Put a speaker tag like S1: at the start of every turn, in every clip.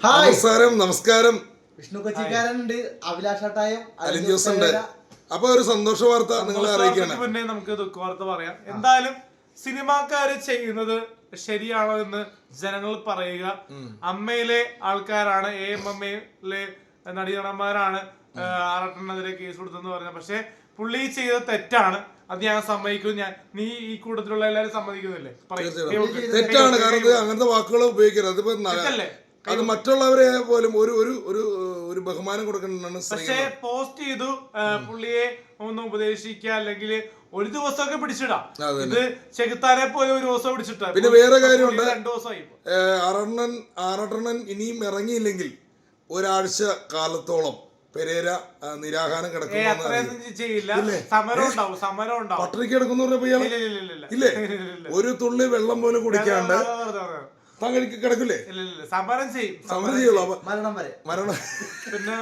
S1: നമസ്കാരം.
S2: വിഷ്ണു കൊച്ചിക്കാരനുണ്ട്, അഭിലാഷാട്ടായും
S1: അലിൻ ജോസ് ഉണ്ട്. അപ്പൊ ഒരു സന്തോഷ വാർത്ത നിങ്ങളെ അറിയിക്കണം.
S3: പിന്നെ നമുക്ക് ദുഃഖ വാർത്ത പറയാം. എന്തായാലും സിനിമാക്കാര് ചെയ്യുന്നത് ശരിയാണോ എന്ന് ജനങ്ങൾ പറയുക. അമ്മയിലെ ആൾക്കാരാണ്, AMMയിലെ നടീനടന്മാരാണ് ആറട്ടനെതിരെ കേസ് കൊടുത്തെന്ന് പറഞ്ഞത്. പക്ഷെ പുള്ളി ചെയ്തത് തെറ്റാണ്, അത് ഞാൻ സമ്മതിക്കും. നീ ഈ കൂട്ടത്തിലുള്ള എല്ലാരും സമ്മതിക്കുന്നില്ലേ?
S1: തെറ്റാണ്, കാരണം അങ്ങനത്തെ വാക്കുകൾ ഉപയോഗിക്കരുത്. അതിപ്പോ അത് മറ്റുള്ളവരെ പോലും ഒരു ഒരു ഒരു ബഹുമാനം കൊടുക്കണമെന്നാണ്.
S3: പക്ഷെ പോസ്റ്റ് ചെയ്തു പുള്ളിയെ ഒന്ന് ഉപദേശിക്കുക, അല്ലെങ്കിൽ ഒരു ദിവസമൊക്കെ പിടിച്ചിടാം. ഇത് ചെകുത്താനെ പോലെ ഒരു ദിവസം പിടിച്ചിട്ടാ.
S1: പിന്നെ വേറെ കാര്യമുണ്ട്,
S3: 2 ദിവസമായി.
S1: ആറട്ടണ്ണൻ ഇനിയും ഇറങ്ങിയില്ലെങ്കിൽ ഒരാഴ്ച കാലത്തോളം പെരേര നിരാഹാരം പട്ടിണിക്ക് കിടക്കുന്നു ഇല്ലേ? ഒരു തുള്ളി വെള്ളം പോലും കുടിക്കാണ്ട് താങ്കൾക്ക് കിടക്കില്ലേ?
S3: സമരം ചെയ്യും,
S1: സമരം ചെയ്യുള്ളൂ,
S3: മരണം. പിന്നെ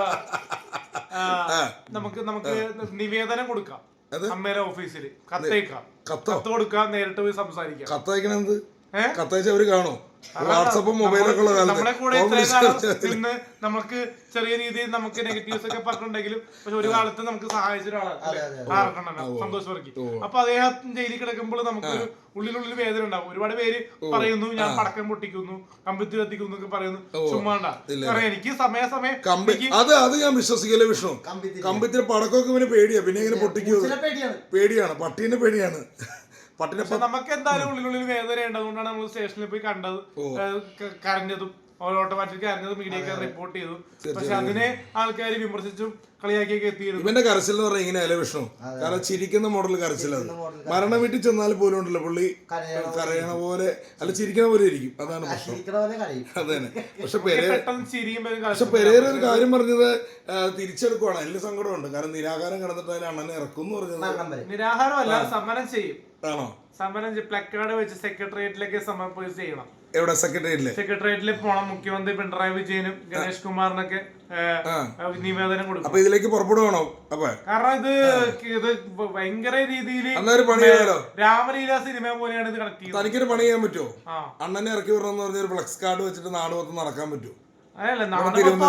S3: നമുക്ക് നിവേദനം കൊടുക്കാം, അമ്മയുടെ ഓഫീസിൽ കത്തയക്കാം, കത്ത് കൊടുക്കാം, നേരിട്ട് പോയി സംസാരിക്കാം.
S1: കത്തയക്കണത് കത്തയച്ച അവര് കാണോ? വാട്സപ്പും മൊബൈലൊക്കെ ഉള്ള
S3: നമ്മളെ കൂടെ ഇന്ന് നമുക്ക് ചെറിയ രീതിയിൽ നമുക്ക് നെഗറ്റീവ്സ് ഒക്കെ പറഞ്ഞിട്ടുണ്ടെങ്കിലും പക്ഷെ ഒരു കാലത്ത് നമുക്ക് സഹായിച്ച ഒരാളാണ് സന്തോഷ് വർക്കി. അപ്പൊ അദ്ദേഹം ജയിലിൽ കിടക്കുമ്പോൾ നമുക്ക് ഉള്ളിലുള്ളിൽ വേദന ഉണ്ടാവും. ഒരുപാട് പേര് പറയുന്നു ഞാൻ പടക്കം പൊട്ടിക്കുന്നു, കമ്പിത്തി കത്തിക്കുന്നു എന്നൊക്കെ പറയുന്നു. ചുമ്മാണ്ട എനിക്ക് സമയാസമയം
S1: അത് ഞാൻ വിശ്വസിക്കല്ലേ വിഷ്ണു. കമ്പിത്തിരി പടക്കമൊക്കെ ഇവന് പേടിയാ, പിന്നെ ഇങ്ങനെ പൊട്ടിക്കൂ പേടിയാണ്, പട്ടീനെ പേടിയാണ്.
S3: നമുക്ക് എന്തായാലും ഉള്ളിലുള്ളിൽ വേദനയുണ്ട്. അതുകൊണ്ടാണ് നമ്മൾ സ്റ്റേഷനിൽ പോയി കണ്ടത്, കരഞ്ഞതും ഓട്ടോമാറ്റിക് കരഞ്ഞത് മീഡിയക്കാർ റിപ്പോർട്ട് ചെയ്തു. പക്ഷെ അതിനെ ആൾക്കാർ വിമർശിച്ചും കളിയാക്കിയൊക്കെ എത്തിയിരുന്നു.
S1: ഇവന്റെ കരച്ചിൽ എന്ന് പറഞ്ഞാൽ ഇങ്ങനെയല്ലേ വിഷ്ണു? കാരണം ചിരിക്കുന്ന മോഡൽ കരച്ചിലത്. മരണ വീട്ടിൽ ചെന്നാൽ പോലും ഉണ്ടല്ലോ പുള്ളി കരയണ പോലെ, അല്ല ചിരിക്കണ പോലെ ഇരിക്കും. അതാണ് പ്രശ്നം. അത് തന്നെ. പക്ഷെ പെരേര ഒരു കാര്യം പറഞ്ഞത് തിരിച്ചെടുക്കുവാണ്. അതിൽ സങ്കടമുണ്ട്. കാരണം നിരാഹാരം കിടന്നിട്ട് അതിൽ അണ്ണനെ ഇറക്കും എന്ന് പറഞ്ഞത്.
S3: നിരാഹാരമല്ല, സമരം ചെയ്യും.
S1: ആണോ?
S3: സമരം പ്ലക്കാർഡ് വെച്ച് സെക്രട്ടേറിയറ്റിലേക്ക് സമരം ചെയ്യണം.
S1: എവിടെ? സെക്രട്ടേറിയറ്റിൽ
S3: പോണം. മുഖ്യമന്ത്രി പിണറായി വിജയനും ഗണേഷ് കുമാറിനൊക്കെ നിവേദനം കൊടുക്കും.
S1: അപ്പൊ ഇതിലേക്ക് പുറപ്പെടുവാണോ?
S3: കാരണം ഇത് ഭയങ്കര രീതിയിൽ രാമലീല സിനിമ പോലെയാണ് ഇത് കണക്ട് ചെയ്യുന്നത്.
S1: തനിക്കൊരു പണി ചെയ്യാൻ പറ്റുമോ? അണ്ണനെ ഇറക്കി വിടണമെന്ന് പറഞ്ഞ ഒരു ഫ്ലക്സ് കാർഡ് വെച്ചിട്ട് നാട് മൊത്തം നടക്കാൻ പറ്റുമോ?
S3: തിരുവനന്തപുരം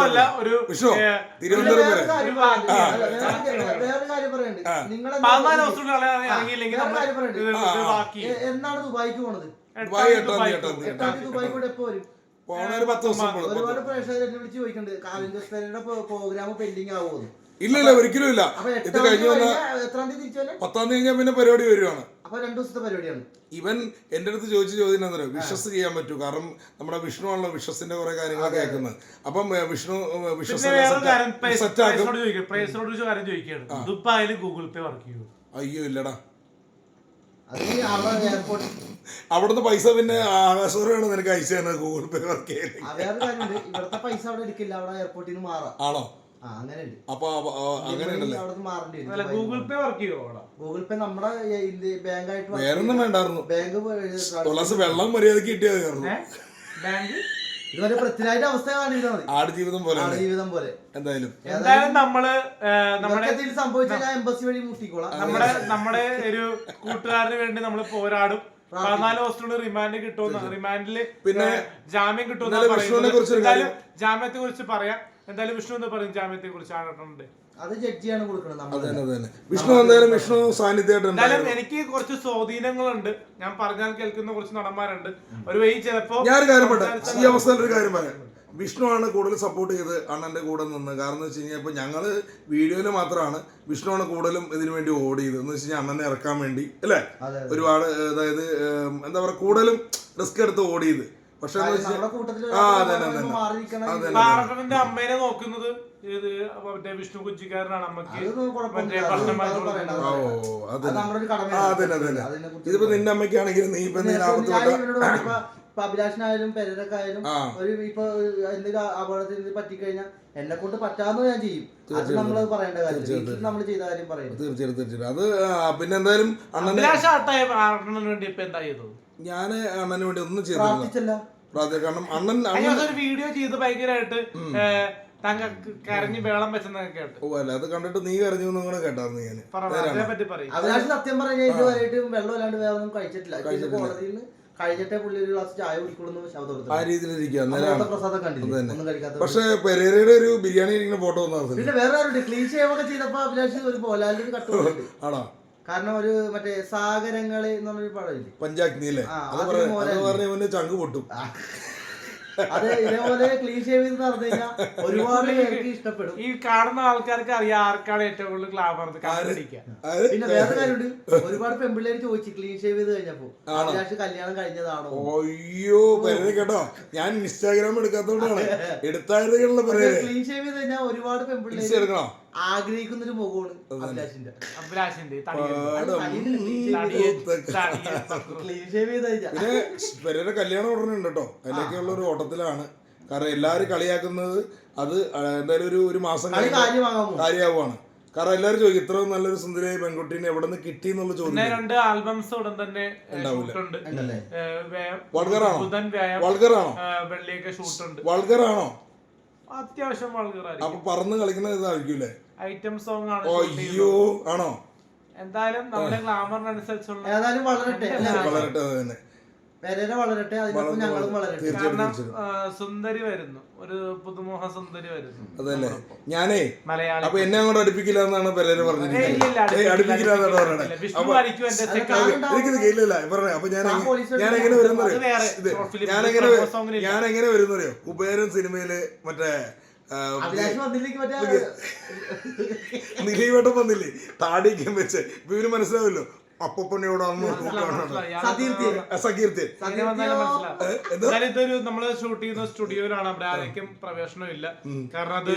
S2: എന്നാണ് ദുബായിക്ക് പോണത്? ഒരുപാട് പ്രേക്ഷകർ എന്നെ വിളിച്ച് ചോദിക്കുന്നുണ്ട് കാലിൻഡോസ്ഫെയറിന്റെ പ്രോഗ്രാം പെൻഡിങ് ആവുമെന്ന്.
S1: ഇല്ല, ഒരിക്കലും ഇല്ല. ഇത് കഴിഞ്ഞു
S2: 10ാം തീയതി
S1: 10ാം തീയതി കഴിഞ്ഞാൽ പിന്നെ പരിപാടി വരുവാണ്.
S2: അപ്പൊ 2 ദിവസത്തെ പരിപാടിയാണ്.
S1: ഇവൻ എന്റെ അടുത്ത് ചോദിച്ച ചോദ്യം എന്താ പറയുക, വിശ്വസ് ചെയ്യാൻ പറ്റൂ? കാരണം നമ്മുടെ വിഷ്ണു ആണല്ലോ വിശ്വസിന്റെ കുറെ കാര്യങ്ങൾ കേൾക്കുന്നത്. അപ്പം വിഷ്ണു
S3: ദുബായിൽ ഗൂഗിൾ പേ വർക്ക് ചെയ്യും?
S1: അയ്യോ ഇല്ലടാ, അവിടുന്ന് പൈസ പിന്നെ ആകാശവാണ് നിനക്ക് അയച്ചു തരുന്നത് ഗൂഗിൾ പേ വർക്ക്
S2: ചെയ്യുന്നത്. ഇവിടുത്തെ പൈസ അവിടെ എടുക്കില്ല, അവിടെ എയർപോർട്ടിൽ നിന്ന് മാറാം.
S1: ആണോ?
S2: അപ്പൊ
S3: ഗൂഗിൾ പേ വർക്ക് ചെയ്യോ?
S2: ഗൂഗിൾ പേ നമ്മുടെ ബാങ്കായിട്ട്
S1: വേറൊന്നും വേണ്ടായിരുന്നു. തുളസി വെള്ളം മര്യാദക്ക് കിട്ടിയത്
S2: ഇതുവരെ പൃഥ്വിരാജിന്റെ അവസ്ഥയാണ്.
S1: ആടുജീവിതം പോലെ എന്തായാലും
S3: നമ്മള്
S2: സംഭവിച്ചാൽ ഞാൻ എംബസി വഴി മുട്ടിക്കോളാം.
S3: നമ്മുടെ ഒരു കൂട്ടുകാരന് വേണ്ടി നമ്മള് പോരാടും. 14 ദിവസത്തിനുള്ളിൽ റിമാൻഡ് കിട്ടുമെന്ന്, റിമാൻഡില് പിന്നെ ജാമ്യം കിട്ടുമെന്ന് പറയുന്നത്. ജാമ്യത്തെ കുറിച്ച് പറയാം. എന്തായാലും വിഷ്ണു എന്ന് പറയും ജാമ്യത്തെ കുറിച്ച്.
S2: അത് ജഡ്ജിയാണ് കൊടുക്കുന്നത്.
S1: വിഷ്ണു സാന്നിധ്യമായിട്ട്
S3: എനിക്ക് കുറച്ച് സ്വാധീനങ്ങളുണ്ട്. ഞാൻ പറഞ്ഞാൽ കേൾക്കുന്ന കുറച്ച് നടന്മാരുണ്ട്. ഒരു വഴി ചിലപ്പോ
S1: ഞാൻ ഈ അവസ്ഥയിൽ ഒരു കാര്യം പറയാം. വിഷ്ണു ആണ് കൂടുതൽ സപ്പോർട്ട് ചെയ്ത് അണ്ണന്റെ കൂടെ നിന്ന്. കാരണം എന്ന് വെച്ച് കഴിഞ്ഞാൽ ഇപ്പൊ ഞങ്ങള് വീഡിയോയില് മാത്രമാണ്, വിഷ്ണു ആണ് കൂടുതലും ഇതിനു വേണ്ടി ഓടിയത്. എന്ന് വെച്ച് കഴിഞ്ഞാൽ അണ്ണനെ ഇറക്കാൻ വേണ്ടി അല്ലേ? ഒരുപാട് അതായത് എന്താ പറയാ, കൂടുതലും റിസ്ക് എടുത്ത് ഓടിയത്. പക്ഷെ
S3: അമ്മേനെ നോക്കുന്നത് വിഷ്ണു കൊച്ചിക്കാരനാണ്. അമ്മക്ക്
S1: ഇതിപ്പോ നിന്റെ അമ്മയ്ക്കാണെങ്കിൽ നീ ഇപ്പൊ
S2: അഭിലാഷനായാലും പെരക്കായാലും ഒരു ഇപ്പൊ എന്തെങ്കിലും അപകടത്തിൽ പറ്റിക്കഴിഞ്ഞാൽ എന്നെ കൊണ്ട് പറ്റാന്ന് ഞാൻ ചെയ്യും. അത് നമ്മള് പറയേണ്ട കാര്യം, നമ്മൾ ചെയ്ത കാര്യം പറയുന്നത്.
S1: തീർച്ചയായിട്ടും അത് പിന്നെ എന്തായാലും ഞാൻ അണ്ണന് വേണ്ടി ഒന്നും ചെയ്തില്ല. കാരണം അണ്ണൻ
S3: വീഡിയോ ചെയ്ത് ഭയങ്കരമായിട്ട് കരഞ്ഞ് വേളം വെച്ചെന്നൊക്കെ കേട്ടു.
S1: അത് കണ്ടിട്ട് നീ കരഞ്ഞു കൂടെ കേട്ടായിരുന്നു ഞാൻ.
S2: അഭിലാഷ് സത്യം പറഞ്ഞാൽ ഇതുവരെയായിട്ട് വെള്ളം അല്ലാണ്ട് വേറെ ഒന്നും കഴിച്ചിട്ടില്ല. കോടതിയിൽ നിന്ന് കഴിഞ്ഞിട്ടേ പുള്ളി ഒരു ഗ്ലാസ് ചായ കുടിക്കുള്ളൂ ശബ്ദം കൊടുത്തു.
S1: ആ രീതിയിലിരിക്കുക
S2: പ്രസാദം കണ്ടില്ല, ഒന്നും കഴിക്കാത്ത.
S1: പക്ഷെ പെരേരയുടെ ഒരു ബിരിയാണി ഇരിക്കുന്ന ഫോട്ടോ ഒന്നും
S2: പിന്നെ വേറെ ആരുണ്ട് ക്ലീൻ ഷേവ് ഒക്കെ ചെയ്തപ്പോ അഭിലാഷ് ഒരു മോഹൻലാലിന്റെ ഒരു കട്ടുകൊണ്ട്
S1: ആണോ?
S2: കാരണം ഒരു മറ്റേ സാഗരങ്ങള് എന്നുള്ളൊരു പടമില്ലേ,
S1: പഞ്ചാഗ്നി അല്ലേ, അത് പറഞ്ഞ ചങ്ക് പൊട്ടും.
S2: അത് ഇതേപോലെ ക്ലീൻ ഷേവ് ചെയ്ത് നടന്നു കഴിഞ്ഞാൽ ഒരുപാട് പേർക്ക് ഇഷ്ടപ്പെടും.
S3: ഈ കാണുന്ന ആൾക്കാർക്ക് അറിയാം ആർക്കാണ് ഏറ്റവും കൂടുതൽ ഗ്ലാമർ.
S2: പിന്നെ വേറെ കാര്യമുണ്ട്, ഒരുപാട് പെൺപിള്ളേര് ചോദിച്ചു ക്ലീൻ ഷേവ് ചെയ്ത് കഴിഞ്ഞപ്പോ അഭിലാഷ് കല്യാണം കഴിഞ്ഞതാണോ.
S1: അയ്യോ പേര് കേട്ടോ, ഞാൻ ഇൻസ്റ്റാഗ്രാം എടുക്കാത്തോണ്ടാണ് എടുത്തായിരുന്നുള്ള
S2: ക്ലീൻ ഷേവ് ചെയ്ത് കഴിഞ്ഞാൽ ഒരുപാട് പെൺപിള്ളേര്
S1: എടുക്കണോ
S2: ആഗ്രഹിക്കുന്ന ഒരു മുഖമാണ് അഭിലാഷിന്റെ. ക്ലീൻ ഷേവ് ചെയ്ത് കഴിഞ്ഞാൽ
S1: പിന്നെ പെരേര കല്യാണം ഉടനെ ഉണ്ട് കേട്ടോ, അതിലേക്കുള്ള ഒരു ഓട്ടത്തിലാണ്. കാരണം എല്ലാവരും കളിയാക്കുന്നത് അത് എന്തായാലും ഒരു മാസം കാര്യമാവുകയാണ്. കാരണം എല്ലാവരും ചോദിക്കും ഇത്ര നല്ലൊരു സുന്ദരിയായ പെൺകുട്ടീനെ എവിടെ നിന്ന് കിട്ടി എന്നുള്ള ചോദ്യം.
S3: 2 ആൽബംസ് ഉടൻ തന്നെ
S1: വൾഗറാണോ?
S3: വെള്ളിയൊക്കെ ഷൂട്ടുണ്ട്.
S1: വൾഗറാണോ?
S3: അത്യാവശ്യം വൾഗറായിരിക്കും.
S1: അപ്പൊ പറന്ന് കളിക്കുന്ന ഇതായിരിക്കൂലേ,
S3: ഐറ്റം സോങ് ആണ്.
S1: അയ്യോ ആണോ?
S3: എന്തായാലും നമ്മുടെ ഗ്ലാമറിനനുസരിച്ചുള്ള
S2: ഏതായാലും വളരട്ടെ,
S1: വളരട്ടെ തന്നെ.
S2: പെരേര വളരട്ടെ, അതിനൊപ്പം ഞങ്ങളും വളരട്ടെ.
S3: കാരണം സുന്ദരി വരുന്നു, ഒരു പുതുമുഖ സുന്ദരി വരുന്നു.
S1: അതല്ലേ ഞാനേ
S3: മലയാളി.
S1: അപ്പൊ എന്നെ അങ്ങോട്ട് അടുപ്പിക്കില്ല എന്നാണ് പെരേര പറഞ്ഞിരിക്കുന്നത്. അടുപ്പിക്കില്ല എന്നാണ് പറഞ്ഞത്. ഇല്ല പറഞ്ഞേ. അപ്പൊ ഞാൻ എങ്ങനെ വരുന്നറിയോ, കുബേരൻ സിനിമയില് മറ്റേ നിലീവട്ടം വന്നില്ലേ താടിക്കും വെച്ച്, ഇപ്പൊ ഇവര് മനസ്സിലാവല്ലോ അപ്പൊപ്പണിയോട്
S3: ഇതൊരു നമ്മള് ഷൂട്ട് ചെയ്യുന്ന സ്റ്റുഡിയോയിലാണ്, അവിടെ ആരേക്കും പ്രവേശനം ഇല്ല. കാരണം അത്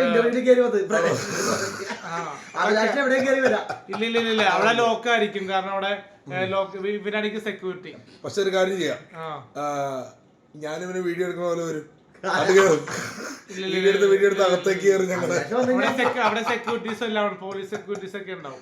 S3: ഇല്ല അവിടെ ലോക്കായിരിക്കും. കാരണം അവിടെ ഇവനായിരിക്കും സെക്യൂരിറ്റി.
S1: പക്ഷെ ഒരു കാര്യം ചെയ്യാം, ഞാനിവന് വീഡിയോ എടുക്കുന്ന പോലെ വരും, വീഡിയോ എടുത്ത് അകത്തേക്ക് കയറി ഞങ്ങള്
S3: അവിടെ സെക്യൂരിറ്റീസ് എല്ലാം പോലീസ് സെക്യൂരിറ്റീസ് ഒക്കെ ഉണ്ടാവും.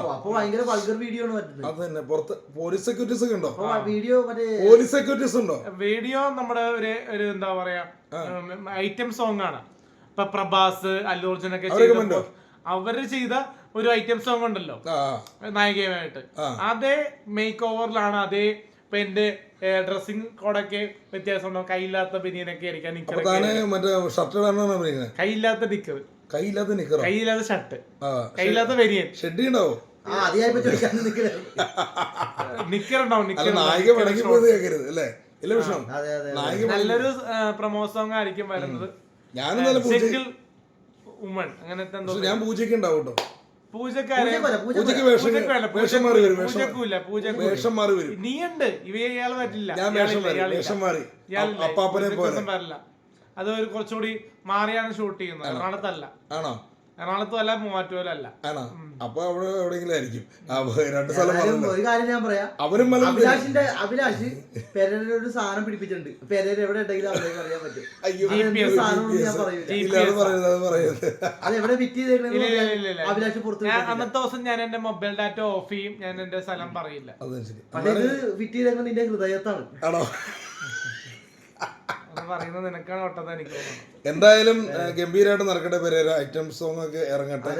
S1: അത് തന്നെ പുറത്ത് പോലീസ് സെക്യൂരിറ്റീസ് ഒക്കെ ഉണ്ടോ?
S2: പോലീസ്
S1: സെക്യൂരിറ്റീസ് ഉണ്ടോ?
S3: വീഡിയോ നമ്മുടെ ഒരു എന്താ പറയാ ഐറ്റം സോങ് ആണ്. ഇപ്പൊ പ്രഭാസ്, അല്ലു അർജുൻ ഒക്കെ അവര് ചെയ്ത ഒരു ഐറ്റം സോങ് ഉണ്ടല്ലോ നായികയുമായിട്ട്, അതേ മേക്ക് ഓവറിലാണ്. അതേ ഇപ്പൊ എന്റെ ഡ്രസ്സിംഗ് കോഡൊക്കെ വ്യത്യാസം ഉണ്ടാവും. കൈയില്ലാത്ത ബനിയനൊക്കെ ആയിരിക്കാം, കൈയില്ലാത്ത നിക്കർ, കൈയില്ലാത്ത ഷർട്ട്, കൈയില്ലാത്ത ബനിയൻ,
S1: ഷെഡ് ഉണ്ടാവും,
S3: നിക്കർ ഉണ്ടാവും. നല്ലൊരു പ്രമോ സോങ് ആയിരിക്കും വരുന്നത്. സിംഗിൾ വുമൺ അങ്ങനത്തെ എന്തോ.
S1: ഞാൻ പൂജയ്ക്ക് ഉണ്ടാവും കേട്ടോ.
S3: നീയുണ്ട്, ഇയാള് പറ്റില്ല. അത് ഒരു കുറച്ചുകൂടി മാറിയാണ് ഷൂട്ട് ചെയ്യുന്നത്. എറണാകുളത്തല്ല, എറണാകുളത്തും അല്ല, മൂവാറ്റുപോലല്ല.
S1: അപ്പൊ അവിടെ എവിടെയെങ്കിലും ആയിരിക്കും.
S2: ഒരു കാര്യം ഞാൻ പറയാം, അഭിലാഷ് പെരേര ഒരു സാധനം പിടിപ്പിച്ചിട്ടുണ്ട്. പെരേര എവിടെ ഉണ്ടെങ്കിലും അവർക്ക് അറിയാൻ പറ്റും. അത് എവിടെ ഫിറ്റ് ചെയ്തേക്കണേ അഭിലാഷ് പുറത്ത്.
S3: അന്നത്തെ ദിവസം ഞാൻ എന്റെ മൊബൈൽ ഡാറ്റ ഓഫ് ചെയ്യും, ഞാൻ എന്റെ സ്ഥലം പറയില്ല.
S2: പക്ഷെ ഇത് ഫിറ്റ് ചെയ്തേക്കുന്നത് നിന്റെ ഹൃദയത്താണ്.
S3: പറയുന്നത് നിനക്കാണ് ഒട്ടത് എനിക്ക് തോന്നുന്നു.
S1: എന്തായാലും ഗംഭീരമായിട്ട് നടക്കട്ടെ പെരേര, ഐറ്റം സോങ് ഒക്കെ ഇറങ്ങട്ടെ.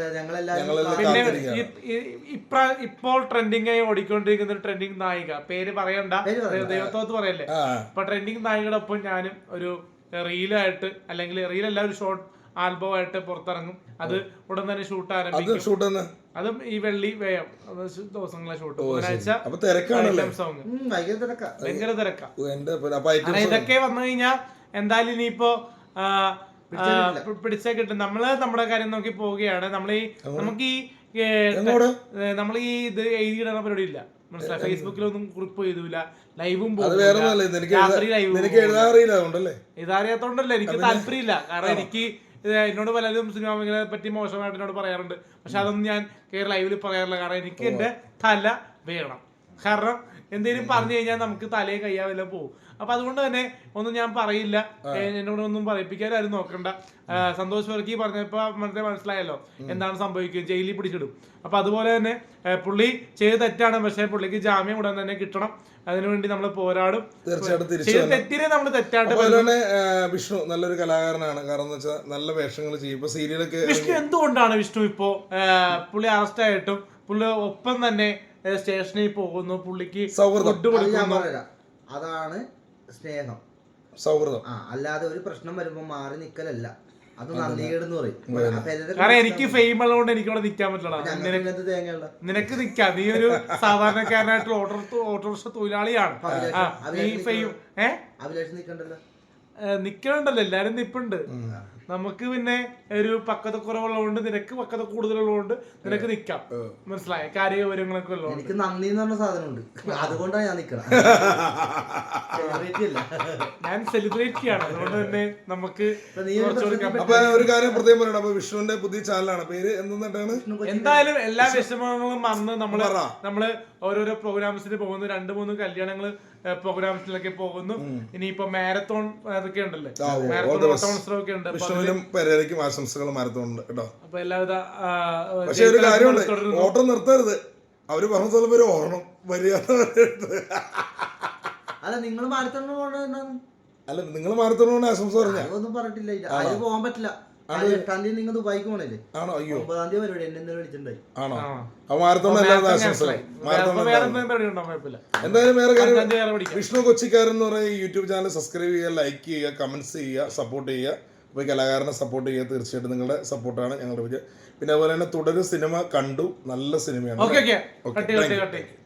S3: ഇപ്പോൾ ട്രെൻഡിങ് ആയി ഓടിക്കൊണ്ടിരിക്കുന്ന ഒരു ട്രെൻഡിങ് നായിക, പേര് പറയണ്ട, ദൈവത്തോത്ത് പറയല്ലേ. ഇപ്പൊ ട്രെൻഡിങ് നായികയുടെ ഒപ്പം ഞാനും ഒരു റീലായിട്ട്, അല്ലെങ്കിൽ റീലല്ല, ഒരു ഷോർട്ട് ആൽബം ആയിട്ട് പുറത്തിറങ്ങും. അത് ഉടൻ തന്നെ ഷൂട്ട് ആരംഭിക്കും. അതും ഈ വെള്ളി വേയം ദിവസങ്ങളെ ഷൂട്ട്. ബുധനാഴ്ച സോങ് ഭയങ്കര തിരക്കാ. ഇതൊക്കെ വന്നു കഴിഞ്ഞാൽ എന്തായാലും ഇനിയിപ്പോ പിടിച്ചാൽ കിട്ടും. നമ്മള് നമ്മുടെ കാര്യം നോക്കി പോവുകയാണ്. നമുക്ക് ഈ ഇത് എഴുതിയിടുന്ന പരിപാടി ഇല്ല, മനസ്സിലായി. ഫേസ്ബുക്കിലൊന്നും കുറിപ്പ് ചെയ്തൂല, ലൈവും ഇതറിയാത്തോണ്ടല്ലേ എനിക്ക് താല്പര്യമില്ല. കാരണം എനിക്ക് എന്നോട് പലരും സിനിമ മേഖലയെ പറ്റി മോശമായിട്ട് എന്നോട് പറയാറുണ്ട്. പക്ഷെ അതൊന്നും ഞാൻ ലൈവിൽ പറയാറില്ല. കാരണം എനിക്ക് എന്റെ തല വേണം. കാരണം എന്തെങ്കിലും പറഞ്ഞു കഴിഞ്ഞാൽ നമുക്ക് തലയെ കയ്യാവെല്ലാം പോകും. അപ്പൊ അതുകൊണ്ട് തന്നെ ഒന്നും ഞാൻ പറയില്ല, എന്നോട് ഒന്നും പറയിപ്പിക്കാൻ ആരും നോക്കണ്ട. സന്തോഷ് വർക്കി പറഞ്ഞപ്പോ മനസ്സിലായല്ലോ എന്താണ് സംഭവിക്കുക, ജയിലിൽ പിടിച്ചിടും. അപ്പൊ അതുപോലെ തന്നെ പുള്ളി ചെയ്ത് തെറ്റാണ്, പക്ഷെ പുള്ളിക്ക് ജാമ്യം ഉടൻ തന്നെ കിട്ടണം. അതിനുവേണ്ടി നമ്മൾ പോരാടും.
S1: തീർച്ചയായിട്ടും
S3: തെറ്റിനെ നമ്മൾ തെറ്റാണ്ട്.
S1: വിഷ്ണു നല്ലൊരു കലാകാരനാണ്. കാരണം എന്ന് വെച്ചാൽ നല്ല വേഷങ്ങൾ ചെയ്യും. ഇപ്പൊ സീരിയലൊക്കെ
S3: വിഷ്ണു എന്തുകൊണ്ടാണ് വിഷ്ണു ഇപ്പോ പുള്ളി അറസ്റ്റ് ആയിട്ടും പുള്ളി ഒപ്പം തന്നെ സ്റ്റേഷനിൽ പോകുന്നു, പുള്ളിക്ക് ഫുഡ് കൊടുക്കുന്നു.
S2: അതാണ് സ്നേഹം,
S1: സൗഹൃദം.
S2: അല്ലാതെ ഒരു പ്രശ്നം വരുമ്പോ മാറി നിക്കലല്ല, അത് നന്ദികേടെന്ന് പറയും.
S3: കാരണം എനിക്ക് ഫെയിം ഉള്ളതുകൊണ്ട് എനിക്ക് ഇവിടെ നിൽക്കാൻ പറ്റില്ല. നിനക്ക് നിക്കാം, നീ ഒരു സാധാരണക്കാരനായിട്ടുള്ള ഓട്ടോറിക്ഷ തൊഴിലാളിയാണ്. നീ ഫെയിം
S2: അഭിലാഷം നിക്കണ്ടല്ലോ,
S3: നിക്കണുണ്ടല്ലോ, എല്ലാരും നിപ്പുണ്ട്. നമുക്ക് പിന്നെ ഒരു പക്വത കുറവുള്ളതുകൊണ്ട്, നിനക്ക് പക്വത കൂടുതലുള്ളതുകൊണ്ട് നിനക്ക് നിക്കാം. മനസ്സിലായ കാര്യ വിവരങ്ങളൊക്കെ ഉള്ളതുകൊണ്ട്.
S2: എനിക്ക് നന്ദി എന്ന് പറഞ്ഞ സാധനമുണ്ട്, അതുകൊണ്ടാണ് ഞാൻ നിക്കണം.
S3: ഞാൻ സെലിബ്രേറ്റ് ചെയ്യാണ്, അതുകൊണ്ട് തന്നെ നമുക്ക്
S1: അപ്പൊ ഒരു കാര്യം പ്രത്യേകം പറയണം. അപ്പൊ വിഷ്ണുവിന്റെ പുതിയ ചാനലാണ്, പേര് എന്താണ്?
S3: എന്തായാലും എല്ലാ വിഷമങ്ങളും വന്ന് നമ്മള് ഓരോരോ പ്രോഗ്രാംസിന് പോകുന്നു, 2-3 കല്യാണങ്ങള് പ്രോഗ്രാംസിലൊക്കെ പോകുന്നു. ഇനിയിപ്പോ മാരത്തോൺ അതൊക്കെ ഉണ്ടല്ലേ, മാരത്തോൺ മത്സരമൊക്കെ ഉണ്ട്.
S1: പെരേരയ്ക്കും ആശംസകൾ മാരത്തോണുണ്ട് കേട്ടോ.
S3: അപ്പൊ എല്ലാവിധ.
S1: പക്ഷെ ഒരു കാര്യമുണ്ട്, ഓട്ടം നിർത്തരുത്. അവര് പറഞ്ഞ സ്ഥലം വരെ ഓടണം, മര്യാദ.
S2: അല്ല നിങ്ങൾ മാരത്തോണിന് പോകണ,
S1: അല്ല നിങ്ങൾ മാരത്തോണിന് ആശംസ പറഞ്ഞ
S2: ഒന്നും പറഞ്ഞിട്ടില്ല. അതിന് പോകാൻ പറ്റില്ല. 8-ാം തീയതി നിങ്ങൾ ദുബായിക്ക് പോണല്ലേ?
S1: ആണോ? അയ്യോ,
S2: 9-ാം തീയതി പരിപാടി എന്നെ വിളിച്ചിട്ടുണ്ടായി.
S1: ആണോ? അപ്പൊ മാരത്തോൺ ആശംസകൾ. എന്തായാലും വേറെ കാര്യം, വിഷ്ണു കൊച്ചിക്കാരൻ എന്ന് പറയുന്ന യൂട്യൂബ് ചാനൽ സബ്സ്ക്രൈബ് ചെയ്യുക, ലൈക്ക് ചെയ്യുക, കമന്റ്സ് ചെയ്യുക, സപ്പോർട്ട് ചെയ്യുക. അപ്പോൾ ഈ കലാകാരനെ സപ്പോർട്ട് ചെയ്യുക. തീർച്ചയായിട്ടും നിങ്ങളുടെ സപ്പോർട്ടാണ് ഞങ്ങളുടെ വിജയം. പിന്നെ അതുപോലെ തന്നെ തുടരും സിനിമ കണ്ടു, നല്ല സിനിമയാണ്.